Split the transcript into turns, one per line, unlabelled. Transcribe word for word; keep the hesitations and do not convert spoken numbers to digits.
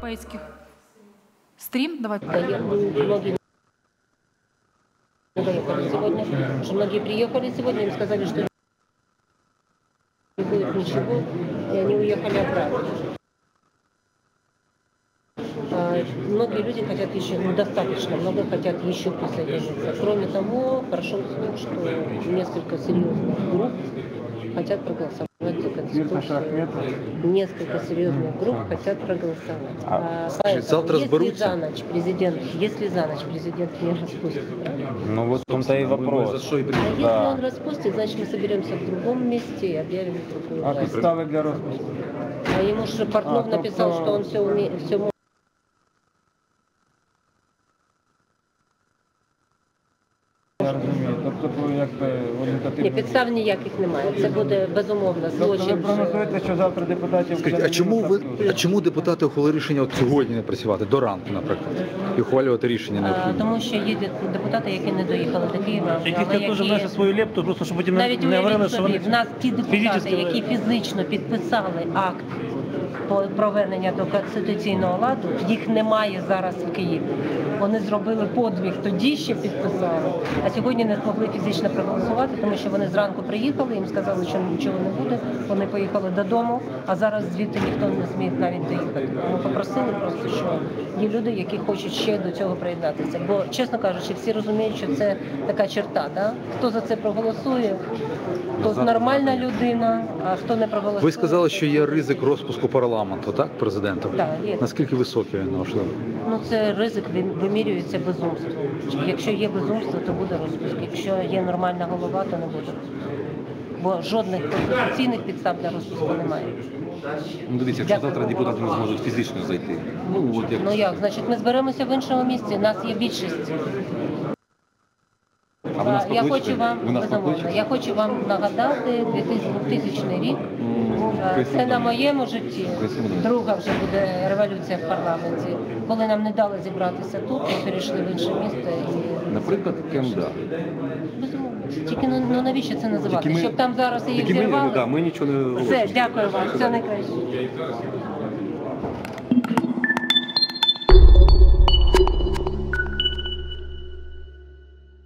європейських. Стрім? Давай.
Многие доехали сегодня, что многие приехали сегодня, им сказали, что не будет ничего, и они уехали обратно. А многие люди хотят еще, ну достаточно, много хотят еще присоединиться. Кроме того, прошел слух, что несколько серьезных групп хотят проголосовать за Конституцию. Несколько серьезных групп хотят проголосовать. А, поэтому,
завтра
если
сберутся?
за ночь президент, если за ночь президент не распустит,
Ну вот в том-то и вопрос.
а если он распустит, значит мы соберемся в другом месте и объявим другую
А
власть.
підстави для розпуску?
А ему же Портнов
А,
написал,
тобто-
что он все умеет, все может.
Я розумію. Тобто, якби вони
Ні,
потрібно...
підстав ніяких немає. Це буде безумовно
Тобто ви
злочин.
прогнозуєте, що завтра депутатів...
Скажіть,
буде
а чому ви
недостатньо?
а чому депутати ухвалили рішення от сьогодні не працювати до ранку, наприклад, і ухвалювати рішення
А,
необхідне?
Тому що є де- депутати, які не доїхали до Києва,
Які
але
хотять теж внести свою лепту, просто щоб потім
навіть
не говорили,
уявіть
що
собі,
вони
в нас ті депутати,
фізично-
які фізично підписали акт по проведення до конституційного ладу, їх немає зараз в Києві. Вони зробили подвиг, тоді ще підписали, а сьогодні не змогли фізично проголосувати, тому що вони зранку приїхали, їм сказали, що нічого не буде, вони поїхали додому, а зараз звідти ніхто не зміг навіть доїхати. Ми попросили просто, що є люди, які хочуть ще до цього приєднатися. Бо, чесно кажучи, всі розуміють, що це така черта, да? Хто за це проголосує, то нормальна людина, а хто не проголосує...
Ви сказали, що є ризик розпуску парламенту, так, президента?
Так, є.
Наскільки високий він, можливо?
Ну, це ризик він вимірюється безумством. Якщо є безумство, то буде розпуск. Якщо є нормальна голова, то не буде розпуску. Бо жодних конституційних підстав для розпуску немає.
Ну, дивіться, якщо завтра депутати не зможуть фізично зайти. Ну, от як...
Ну як, значить, ми зберемося в іншому місці, нас є більшість.
А ви нас
Я
покличете?
хочу вам,
Ви нас
безумовно,
покличете?
я хочу вам нагадати двохтисячний рік. Це на моєму житті. Друга вже буде революція в парламенті. Коли нам не дали зібратися тут, ми перейшли в інше місто. І...
Наприклад, КМДА.
Безумовно. Тільки ну, ну навіщо це називати?
Тільки ми-
Щоб там зараз її
Тільки ми,
взірвали?
да, ми нічого не
Все,
говоримо.
дякую вам, все найкраще.